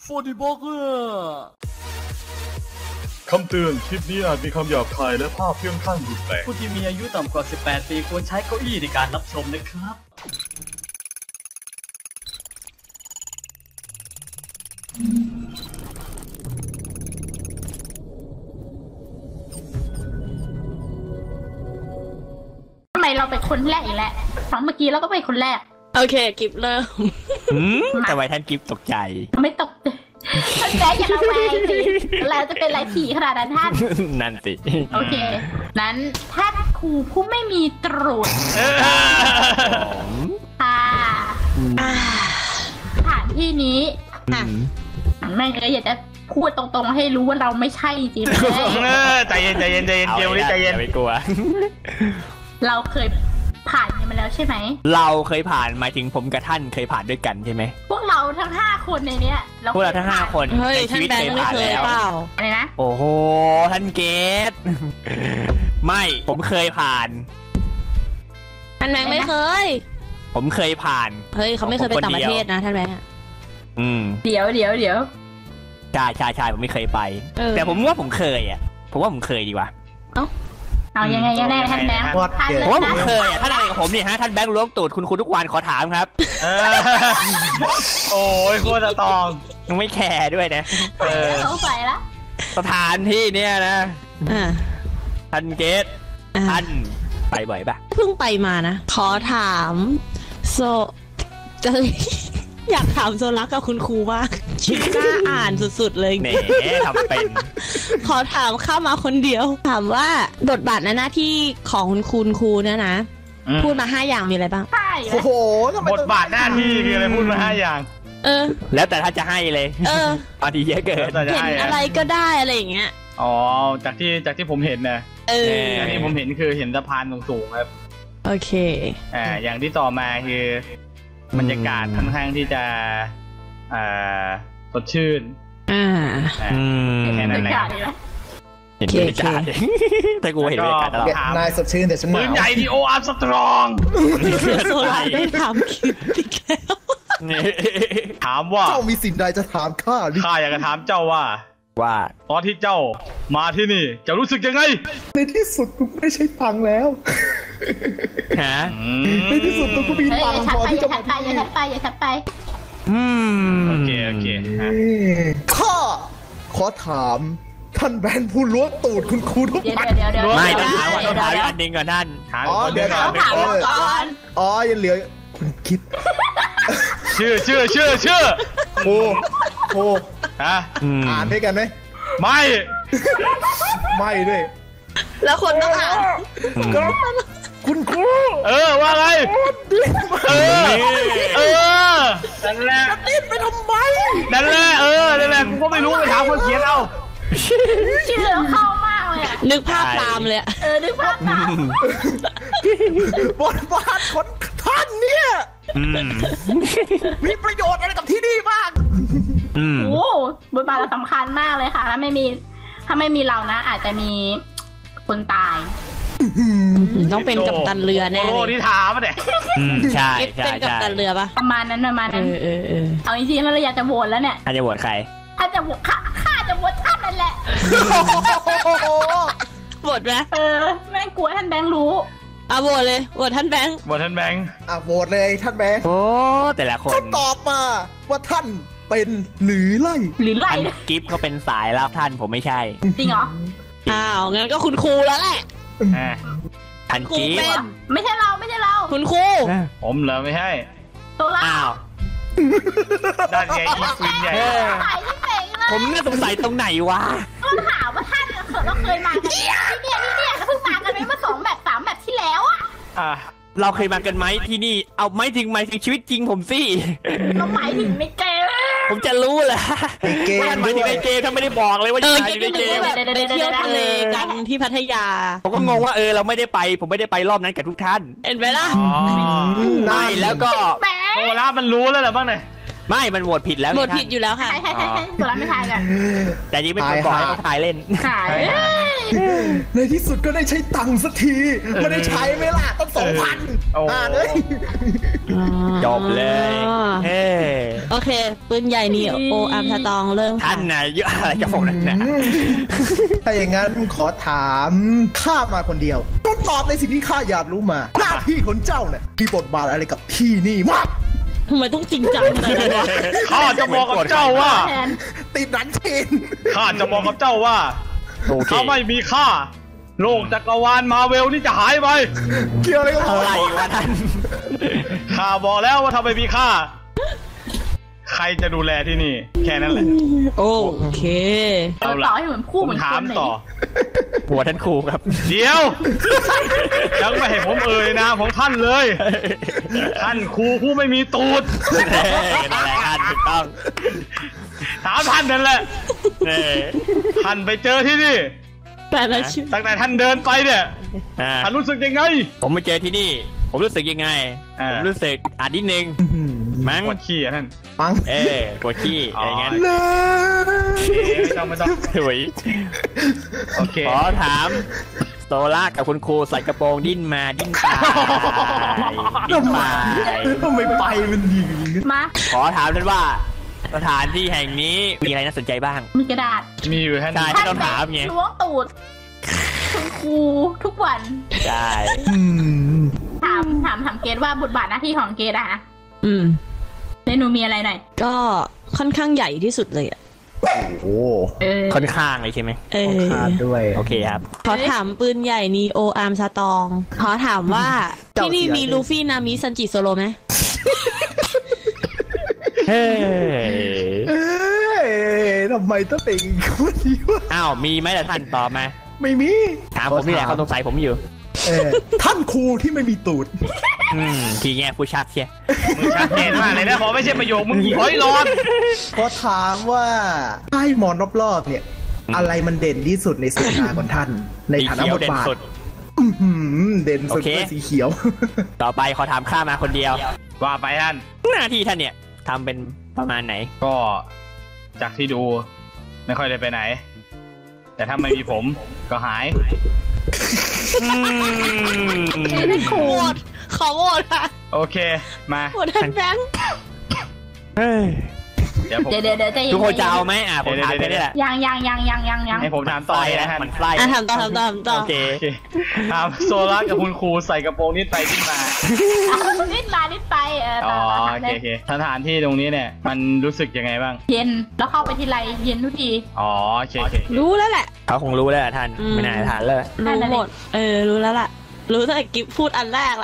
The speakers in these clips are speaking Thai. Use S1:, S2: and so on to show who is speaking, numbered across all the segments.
S1: 40 บล็อกเกอร์
S2: คำเตือนคลิปนี้อาจมีคำหยาบคายและภาพเพื่อนข้างรุนแรง
S1: ผู้ที่มีอายุต่ำกว่า 18 ปีควรใช้เก้าอี้ในการรับชมนะครับ
S3: ทำไมเราเป็นคนแรกอีกแล้วครั้งเมื่อกี้เราก็เป็นคนแรก
S4: โอเคกิฟเริ่ม
S5: แต่ไว้ท่านกิฟตกใจ
S3: ไม่ตกท่านแจ๊อย่าระแวงสิเราจะเป็นไรผีขนาดนั้นท่าน
S5: นั่นสิ
S3: โอเคนั้นท่านครูผู้ไม่มีตรูดค่ะสถานที่นี้แม่ก็อยากจะพูดตรงๆให้รู้ว่าเราไม่ใช่จริง
S5: ๆใจเย็นเกลนี่ใจเย็นไม่กลัว
S3: เราเคยผ่านกันมาแล้วใช่ไหม
S5: เราเคยผ่านหมายถึงผมกับท่านเคยผ่านด้วยกันใช่ไหม
S3: พวกเราทั้ง5คนในเนี้ย
S5: พวกเราทั้ง5คนในชีวิตเคยผ่านแล้ว
S3: อะไรนะ
S5: โอ้โหท่านเกตไม่ผมเคยผ่าน
S4: ท่านแบงค์ไม่เคย
S5: ผมเคยผ่าน
S4: เฮ้ยเขาไม่เคยไปต่างประเทศนะท่านแบงค์
S3: เดี๋ยว
S5: ใช่ผมไม่เคยไปแต่ผมว่าผมเคยอ่ะผมว่าผมเคยดีกว่า
S3: เอายังไงกันแน่ท่านแบงค์
S5: ผมว่าผมเคยอ่ะท่านอะไรกับผมเนี่ยฮะท่านแบงค์ล้วงตูดคุณทุกวันขอถามครับ
S1: โอ้ยโคตรตอง
S5: ยังไม่แคร์ด้วยนะ
S3: เขาใส่ละ
S5: สถานที่เนี่ยนะท่านเกตท่านไปบ่อยปะ
S4: เพิ่งไปมานะขอถามโซจะอยากถามโซลักกับคุณครูมากคิดกล้าอ่านสุดๆเลย
S5: เน่ทำเป็น
S4: ขอถามเข้ามาคนเดียวถามว่าบทบาทในหน้าที่ของคุณครูเนี่ยนะพูดมา5อย่างมีอะไรบ้าง
S1: โอ้โหบทบาทหน้าที่มีอะไรพูดมา5อย่าง
S5: แล้วแต่ถ้าจะให้เลยบางทีเยอะเกิน
S4: เห็นอะไรก็ได้อะไรอย่างเงี้ย
S1: อ๋อจากที่ผมเห็นนะจากที่ผมเห็นคือเห็นสะพานสูงๆครับ
S4: โอเค
S1: อย่างที่ต่อมาคือบรรยากาศค่อนข้างที่จะสดชื่น
S5: แค่นั้นแหละเห็นบรรยากาศแต่กูเห็นบรรยากาศตลอด
S2: นายสดชื่นแต่ฉันหนาว
S1: ปืนใหญ่ดีโออาร์สตรอง
S4: โซลาได้ถามคิดอีกแล้ว
S1: ถามว่า
S2: เจ้ามีสิ่งใดจะถามข้า
S1: อยากจะถามเจ้าว่าตอนที่เจ้ามาที่นี่จะรู้สึกยังไง
S2: ในที่สุดกูไม่ใช่พังแล้วในที่สุดกูมีตังค์พอที่จะมา
S3: อย่าทัดไป
S1: โอเค
S2: ข้าขอถามท่านแบนผู้ล้วงตูดคุณครูทุกวัน
S5: ไม่ต้องถามอันนึงก่อนท่าน
S2: เดี๋ยวถามก่อนยังเหลือคุณคิด
S1: ชื่อ
S2: โอ้อ่านด้วยกันไหม
S1: ไม่
S2: ด้วย
S4: แล้วคนต้องอ่าน
S2: คุณครู
S1: ว่าไงนั่นแหละ
S2: ติดไปทำไม
S1: นั่นแหละกูก็ไม่รู้ไปถามคนเขียนเอา
S3: ชื่อเราเข้ามากเลย
S4: นึกภาพตามเลย
S3: นึกภาพตาม
S2: บทบาทของท่านเนี่ยมีประโยชน์อะไรกับที่นี่บ้าง
S3: โอ้บทบาทเราสำคัญมากเลยค่ะถ้าไม่มีเรานะอาจจะมีคนตาย
S4: ต้องเป็นกัปตันเรือแน่
S1: โอ้ที่ถามเนี่ย
S5: ใช่
S4: เป็นกัปตันเรือปะ
S3: ประมาณนั้นเอาจริงๆแล้วเราอยากจะโหวตแล้วเนี่ย
S5: ท่านจะโหวตใคร
S3: ท่านจะโหวตข้าจะโหวตท่านนั่นแหละ
S4: โหวตไหม
S3: แม่งกลัวท่านแบงค์รู้
S4: โหวตเลยโหวตท่านแบงค์
S1: โหวตท่านแบงค์
S2: โหวตเลยท่านแบงค์
S5: โอ้แต่ละคน
S2: ตอบมาว่าท่านเป็นหรือไล่
S5: กิฟต์เขาเป็นสายแล้วท่านผมไม่ใช่
S3: จริงเหรอ
S4: งั้นก็คุณครูแล้วแหละ
S5: ท่านกิฟต์
S3: ไม่ใช่เรา
S4: คุณครู
S1: ผมเหรอไม่ใช่
S3: ตัวเรา
S1: ด้านใหญ่อีฟินใหญ่
S5: ผมน่าสงสัยตรงไหนวะ
S3: ก็ถามว่าท่านเราเคยมากันที่เนี่ยเพิ่งมากันไปเมื่อ2 แบบ 3 แบบที่แล้ว
S5: เราเคยมากันไหมที่นี่เอาไม่ถึงชีวิตจริงผมสิ
S3: เราหมายถึงในเกม
S5: ผมจะรู้แหละหมายถึงในเกมถ้าไม่ได้บอกเลยว่าอยู่ในเกม
S4: ไปเที่ยวทะเลกันที่พัทยา
S5: ผมก็งงว่าเราไม่ได้ไปผมไม่ได้ไปรอบนั้นกับทุกท่าน
S4: เห็นไหมล่ะ
S5: ไม่แล้วก็
S1: โอ้ล่ามันรู้แล้วเหรอบ้างเนี่ย
S5: ไม่มันโหวตผิดแล้ว
S4: โหวตผิดอยู่แล้วค่ะ
S3: ใช่ตัวรักไม่ทายกัน
S5: แต่จริงเป็นคนบอกให้เขาทายเล่น
S3: ขาย
S2: ในที่สุดก็ได้ใช้ตังค์สักทีไม่ได้ใช้ไหมล่ะตั้ง2,000เลย
S5: จบเลยเฮ้
S4: โอเคปืนใหญ่นี่โออาร์มสตองเริ่มค่ะ
S5: ท่านน่ะเยอะอะไรจะบอกนั่นนะ
S2: ถ้าอย่างนั้นขอถามข้ามาคนเดียวต้องตอบในสิ่งที่ข้าอยากรู้มา หน้าที่ของเจ้าเนี่ยมีบทบาทอะไรกับที่นี่มาก
S4: ทำไมต้องจริงจังขนาดนั้นวะ
S1: ข้าจะบอกกับเจ้าว่า
S3: แทน
S2: ติดหนันชิน
S1: ข้าจะบอกกับเจ้าว่า
S5: โอเค
S1: ถ้าไม่มีข้าโลกจักรวาลมาเวลนี่จะหายไป
S2: เกี่ยวอะไรกับ
S5: อะไรวะท่าน
S1: ข้าบอกแล้วว่าถ้าไม่มีข้าใครจะดูแลที่นี่ แค่นั้นแหละ
S4: โอเค
S1: เอาละ
S3: ต่อให้เหมือนคู่
S1: ผ
S3: เหมื
S1: ม
S3: อน
S1: ถา
S3: ค
S1: ม
S3: นเลย
S1: ต่อ
S5: หัวท่านครูครับ
S1: เดี๋ยว ยังไม่ให้ผมเอ่ยนะของท่านเลย ท่านครูผู้ไม่มีตูด
S5: นั่นแหละท่านถูกต้อง
S1: ถามท่านนั่นแหละ
S5: เออ
S1: ท่านไปเจอที่นี่
S4: แต่ละชื่อ
S1: ตั้งแต่ท่านเดินไปเนี่ย
S5: อ่า
S1: ท่านรู้สึกยังไง
S5: ผมมาเจอที่นี่ ผมรู้สึกยังไง
S1: อ่า
S5: ผมรู้สึกนิดนึงมั้ง
S1: ปวดขี้อะท่าน
S2: ปัง
S5: ปวดขี้อะไรเงี้ย
S2: เลย
S1: ไม่ต้อง
S5: สวย
S1: โอเค
S5: ขอถามโซล่ากับคุณครูใส่กระโปรงดิ้นมาดิ้นไปดิ้นไป
S2: ทำไมไปมันดี
S3: มา
S5: ขอถามท่านว่าสถานที่แห่งนี้มีอะไรน่าสนใจบ้าง
S3: มีกระดาษ
S1: มีอยู่ท่าน
S5: ใช่ ไม่ต้องถามไง
S3: ล้วงตูดคุณครูทุกวัน
S5: ใช่
S3: ถามเกดว่าบทบาทหน้าที่ของเกดอะ
S4: อืม
S3: ในหนูมีอะไรหน่อย
S4: ก็ค่อนข้างใหญ่ที่สุดเลยอ่ะ
S2: โอ้โห
S5: ค่อนข้างเลยใช่ไหม
S4: เออ
S2: ขาดด้วย
S5: โอเคครับ
S4: ขอถามปืนใหญ่นีโออาร์มสตอง ขอถามว่า ที่นี่มีลูฟี่นามิซันจิโซโลไหม
S5: เฮ้ย
S2: เอ้ยทำไมต้องเป็นคนนี้วะ
S5: อ้าวมีไหมล่ะท่านตอบมา
S2: ไม่มี
S5: ถามผมนี่แหละเขาสงสัยผมอยู่
S2: ท่านครูที่ไม่มีตูด
S5: ทีแง่ผู้ชักเชีย
S1: มึงชัดเจนมากเลยนะพอไม่ใช่ประโยคมึงหอยร้อน
S2: ขอถามว่าให้มอนรอบๆเนี่ย อะไรมันเด่นที่สุดในสายตาของท่าน ในฐานะบทบาท เด่นสุดคือสีเขียว
S5: ต่อไปขอถามข้ามาคนเดียว
S1: ว่าไปท่าน
S5: หน้าที่ท่านเนี่ยทำเป็นประมาณไหน
S1: ก็จากที่ดูไม่ค่อยได้ไปไหน แต่ถ้าไม่มีผมก็หาย
S3: ไม่ครู
S4: โหวตขอโหวตค่ะ
S1: โอเคมา
S4: โหวตท่านแบงค์
S1: เดี๋ยวผม
S3: เดี๋ยวใจเย็น
S5: ทุกคนจะเอาไหมผมถามแค่นี้แหละ
S3: ยัง
S1: ให้ผมถามต่อเลยนะท่าน
S5: มันไส้
S4: อ่ะถามต่อถามต่อถามต่อ
S5: โอเค
S1: โอเคถามโซล่ากับคุณครูใส่กระโปรงนิดไปนิดมา
S3: นิดมานิดไป
S1: อ๋อ
S3: ต่อ
S1: โอเคโอเคสถานที่ตรงนี้เนี่ย มันรู้สึกยังไงบ้าง
S3: เย็นแล้วเข้าไปทีไรเย็นทุกที
S1: อ๋อโอเคโอเค
S4: รู้แล้วแหละ
S5: เขาคงรู้แล้วล่ะท่าน ไม่น่าจะถามเลย
S4: รู้หมด รู้แล้วล่ะ รู้ตั้งแต่กิ๊บพูดอันแรกละ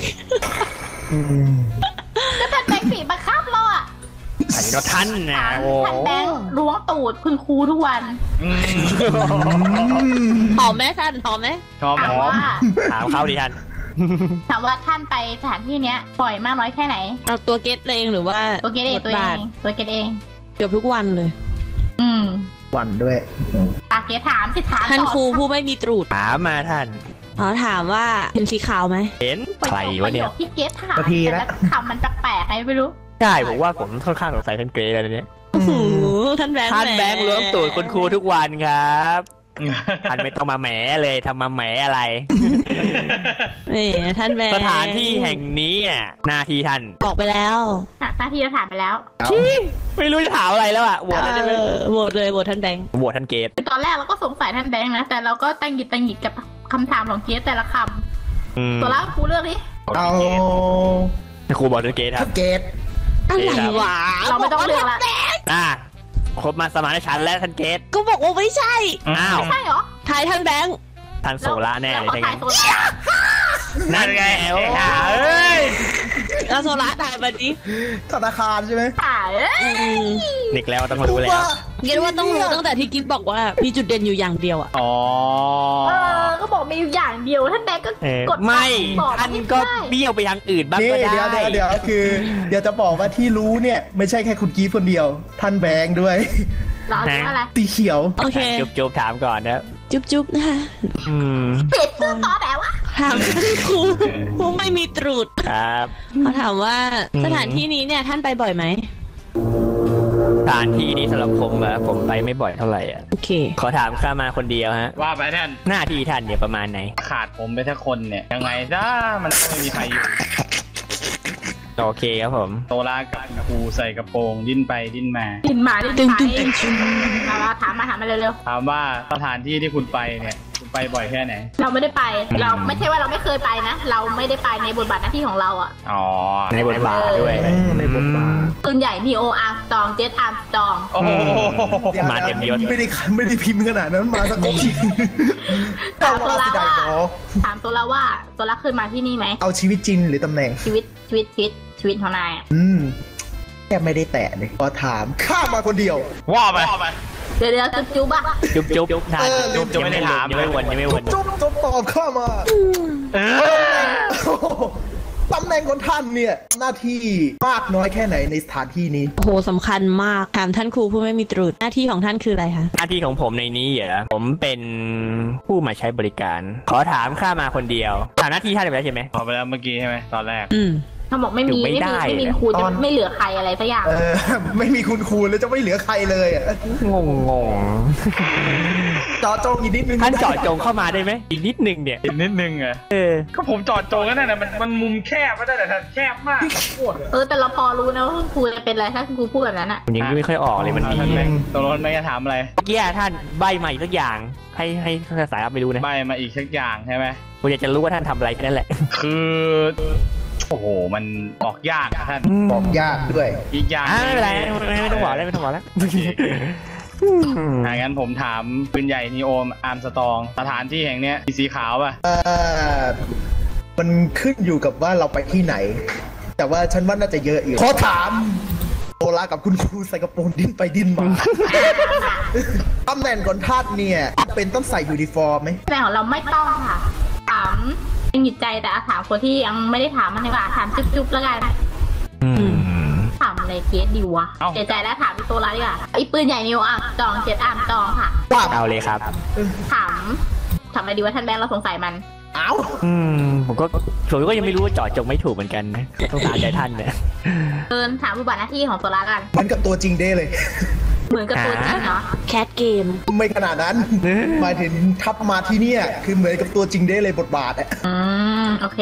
S3: ก็ท่านแบงค์ปีบังคับเราอะ
S5: ใส่ก็ท่านนะโอ้
S3: ท่านแบงค์ล้วงตูดคุณครูทุกวัน
S1: อืม
S4: หอมไหมท่านหอมไหม
S1: ชอบไหม
S3: ถามว่า
S5: ถามเขาดิท่าน
S3: ถามว่าท่านไปสถานที่เนี้ยบ่อยมากน้อยแค่ไหน
S4: เอาตัวเกตเองหรือว่า
S3: ตัวเกดเองตัวเองตัวเกดเอง
S4: เกือบทุกวันเลย
S3: อืม
S2: วันด้วย
S3: เกดถามสิถาม
S4: ท่าน
S3: ต่อ
S4: ครูผู้ไม่มีตรูด
S5: ถามมาท่าน
S4: ขอถามว่าเห็นสีขาวไหม
S5: เห็นใครวะเนี่ย
S3: ประโคที่เกดถามแต่ละคำมันแปลกๆไงไม่รู้
S5: ใช่ผมว่าผมค่อนข้างสงสัยท่านเกรย์แล้วเนี่ย
S4: โอ้โหท่านแบงค์
S5: ท่านแบงค์ล้วงตูดคุณครูทุกวันครับ
S1: อืม
S5: ท่านไม่ต้องมาแหมเลยทำมาแหมอะไร
S4: นี่ท่านแบงค์
S5: สถานที่แห่งนี้หน้าที่ท่าน
S4: บอกไปแล้ว
S3: หน้าที่เราถามไปแล้ว
S5: ไม่รู้จะถามอะไรแล้วอะโหวตได้ไหม
S4: โหวตเลยโหวตท่านแบงค์
S5: โหวตท่านเกรย์
S3: ตอนแรกเราก็สงสัยท่านแบงค์นะ แต่เราก็ตังหงิดกับคำถามของเกดแต่ละคำตัวละครูเลือกดิ
S2: เอา
S5: ครูบอกท่านเกรย์ค
S2: ถ้า
S5: รับ
S2: เกต
S4: อะไรวะ
S3: เราไม่ต้องเลือกละ
S5: ครบมาสมานฉันท์และท่านเกรย์
S4: ก็บอกว่าไม่ใช่
S5: อ้าว
S3: ใช่เหรอ
S4: ทายท่านแบงค์
S5: ท่านโซล่าแน่เลย
S3: เรา
S5: ใช่
S3: ก็
S5: ไหม
S3: ถ่ายโซล่า
S5: นั่นไง
S1: เอ้ย
S4: แล้วโซล่าทายมาดิ
S2: ธนาคารใช่ไหม
S3: ถ่าย
S5: นิกแล้วต้องรู้แล้ว
S4: คิดว่าต้องรู้ตั้งแต่ที่กิ๊บบอกว่ามีจุดเด่นอยู่อย่างเดียวอะ
S1: อ๋อ
S3: ก็บอกมีอยู่อย่างเดียวท่านแบงค์ก็กด
S5: ไม่
S3: บอก
S5: ท่านก็เบี้ยวไปทางอื่นบ้าง
S2: นี่
S5: ก็ได้
S2: เดี๋ยวคือ เดี๋ยวจะบอกว่าที่รู้เนี่ย ไม่ใช่แค่คุณกีฟคนเดียว ท่านแบงค์ด้วย
S3: เรารู้อะไร
S2: ตีเขียว
S4: โอเค
S5: จุ๊บถามก่อนนะ
S4: จุ๊บนะคะ
S3: เปลี่ยนชื่อต่อแบบว่า
S4: ถามครูผู้ไม่มีตรูด
S5: ครับ
S4: เขาถามว่าสถานที่นี้เนี่ยท่านไปบ่อยไหม
S5: สถานที่นี้สำหรับผมไปไม่บ่อยเท่าไหร่อ่ะ
S4: โอเค
S5: ขอถามข้ามาคนเดียวฮะ
S1: ว่าไปท่าน
S5: หน้าที่ท่านเนี่ยประมาณไหน
S1: ขาดผมไปแค่คนเนี่ยยังไงจ้ามันก็ไม่มีใครอยู่
S5: โอเคครับผม
S1: โซล่ากับครูใส่กระโปรงดิ้นไปดิ้นมา
S3: ดินมาดิน
S4: ตึง
S3: ไป
S4: ตึงตึงตึง
S3: มาถามมาเร็ว
S1: ถามว่าสถานที่ที่คุณไปเนี่ยคุณไปบ่อยแค่ไหน
S3: ๆเราไม่ได้ไป เราไม่ใช่ว่าเราไม่เคยไปนะ เราไม่ได้ไปในบทบาทหน้าที่ของเราอ่ะ
S1: อ๋อ
S5: ในบทบาทด้วย
S2: ในบทบาท
S3: ปืนใหญ่นีโออาร์มสตองเจตอาร์มสตอง
S1: โอ้โห
S5: มาเต็มยศ
S2: ไม่ได้พิมพ์ขนาดนั้นมาสักทีเอาว่าสิได้หรอ
S3: ถามโซล่าว่าโซล่าเคยมาที่นี่ไหม
S2: เอาชีวิตจริงหรือตำแหน่ง
S3: ชีวิตของนายอะ
S2: แค่ไม่ได้แตะเลยพอถามข้ามาคนเดียว
S1: ว่าไป
S3: เดี๋ยวจุ๊บอะ
S5: จุ๊บท่าน
S1: จุ๊บไม่ได้ถาม
S5: ยังไม่วนยังไม่วน
S2: จุ๊บตอบข้ามาตำแหน่งของท่านเนี่ย หน้าที่มากน้อยแค่ไหนในสถานที่นี้
S4: โอ้โหสำคัญมากถามท่านครูผู้ไม่มีตรุษหน้าที่ของท่านคืออะไรคะ
S5: หน้าที่ของผมในนี้เหรอผมเป็นผู้มาใช้บริการ ขอถามข้ามาคนเดียวถามหน้าที่ท่านไปแล้วใช่ไหม
S1: พอไปแล้วเมื่อกี้ใช่ไหมตอนแรก
S3: เขาบอกไม่มี
S5: ไม่ได้
S3: ครูจะไม่เหลือใครอะไรสักอย่าง
S2: ไม่มีคุณครูแล้วจะไม่เหลือใครเลยอะ
S5: งง
S2: จอจงอีกนิดนึง
S5: ท่านเจาะจงเข้ามาได้ไหมอีกนิดนึงเนี่ย
S1: อีกนิดนึงอะก็ผมจอดโจงกันนะมันมุมแคบไม่ได้แต่แคบมากโคตร
S3: แต่เราพอรู้นะว่าคุณครูจะเป็นอะไรถ้าคุณครูพูดแบบนั้นอะ
S5: ผมยังไม่ค่อยออกเลยมันมี
S1: ท่าน
S5: เ
S1: แบงค์ตกลงไม่จะถามอะไร
S5: มื่อกี้ท่านใบมาอีกสักอย่างให้สายรับไม่รู้นะ
S1: ใบมาอีกสักอย่างใช่ไหม
S5: ผมอยากจะรู้ว่าท่านทำอะไรแค่นั้นแหละ
S1: คือโอ้โหมันออกยากอะท่าน
S2: บอกยากด้วย
S1: อีกอย่าง
S5: ไม่เป็นไรไม่ต้องบอกแล้วไม่ต้องบอกแล้ว
S1: งั้นผมถามปืนใหญ่นีโอมอาร์มสตองสถานที่แห่งเนี้ยมีสีขาวป่ะ
S2: มันขึ้นอยู่กับว่าเราไปที่ไหน แต่ว่าฉันว่าน่าจะเยอะอยู่ขอถามโซล่ากับคุณครูใส่กระโปรงดิ้นไปดิ้นมา ตำแหน่งก่อนท่านเนี่ยเป็นต้องใส่ยูนิฟอร์มไหม
S3: แต่ของเราไม่ต้องค่ะถามยังหยุดใจแต่ถามคนที่ยังไม่ได้ถามมันดีกว่าถามจุ๊บๆแล้วกันถามอะไรเคสดีวะเสียใจแล้วถามพี่โตแล้วดีกว่าไอ้ปืนใหญ่นิวอาร์มสตองเจตอาร์มสตองค่ะ
S5: เอาเลยครับ
S3: ถามอะไรดีว่าท่านแบงค์เราสงสัยมัน
S2: เอ้า
S5: ผมก็ยังไม่รู้ว่าเจาะจงไม่ถูกเหมือนกันนะต้องถามใจท่านเนี่ย
S3: ถามบทบาทหน้าที่ของโซล่ากัน
S2: เหมือนกับตัวจริงเด้เลย
S3: เหมือนกับตัวจริงเนาะ
S4: แคทเกม
S2: ไม่ขนาดนั้น หมายถึงทับมาที่เนี่ยคือเหมือนกับตัวจริงเด้เลยบทบาทอะ
S3: โอเค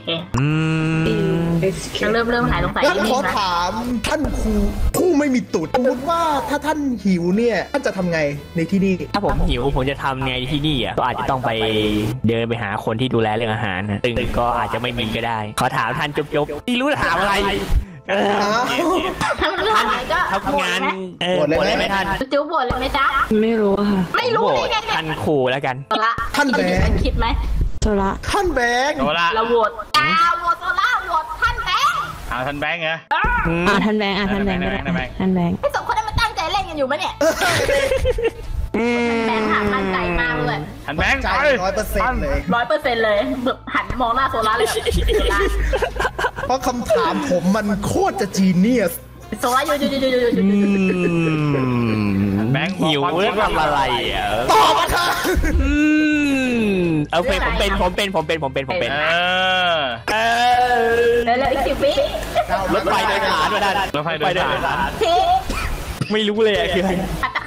S3: เริ่มหายสงสัย
S2: งั้น
S3: นิด
S2: ขอ
S3: นึงนะ
S2: ถามท่านครูผู้ไม่มีตูดสมมติว่าถ้าท่านหิวเนี่ยท่านจะทำไงในที่นี่
S5: ถ้าผมหิวผมจะทำไงที่นี่อ่ะก็อาจจะต้องไปเดินไปหาคนที่ดูแลเรื่องอาหารนะซึ่งก็อาจจะไม่มีก็ได้ ขอถามท่านจบที่รู้ถามอะไร
S3: ถ้ามันเรื่องอะไรก็
S5: ทำงาน
S2: โหวตเลยไหม
S5: โหวตเลยไหมท่าน
S3: จุ๊บบทเลยไหมจ๊ะ
S4: ไม่รู้ค่ะ
S3: ไม่รู้
S5: โหว
S3: ได้
S5: ต
S3: ไงเนี่ย
S5: ท่านครูแล้วกัน
S3: โซล่า
S2: ท่านแบงค์
S3: เราคิดไหม
S4: โซละ
S2: ท่านแบงค์
S1: โซล่า
S3: เราโหวตโหวตโซล่าโหวตท่านแบงค์
S1: เอาท่านแบงค์เหรอ
S4: ท่านแบงค์ท่านแบงค์ก็ได้
S1: ท่านแบงค์
S4: ท่านแบงค์
S3: ไอ้สองคนนั้นมันตั้งใจเล่นกันอยู่ไหมเนี่ยแบงค์ถามมั่นใจมากเลย
S1: ท่านแบงค์
S2: ใจ
S1: ไป
S2: 100%เลย
S3: 100%เลยแบบหันมองหน้าโซล่าเลยแบบโซล่า
S2: เพราะคำถามผมมันโคตรจะจีเนียส
S3: โซล่าอยู่
S1: แบงค์
S5: หิวเรื่องทำอะไรอ่ะ
S2: ตอบมาค่ะ
S5: โอเคผมเป็น
S3: แล้วอีก10 วิ
S5: รถไฟโดยสารด้วยท่าน
S1: รถไฟโดยสาร
S3: ที่
S5: ไม่รู้เลยอะคืออะไร
S3: อาจจะ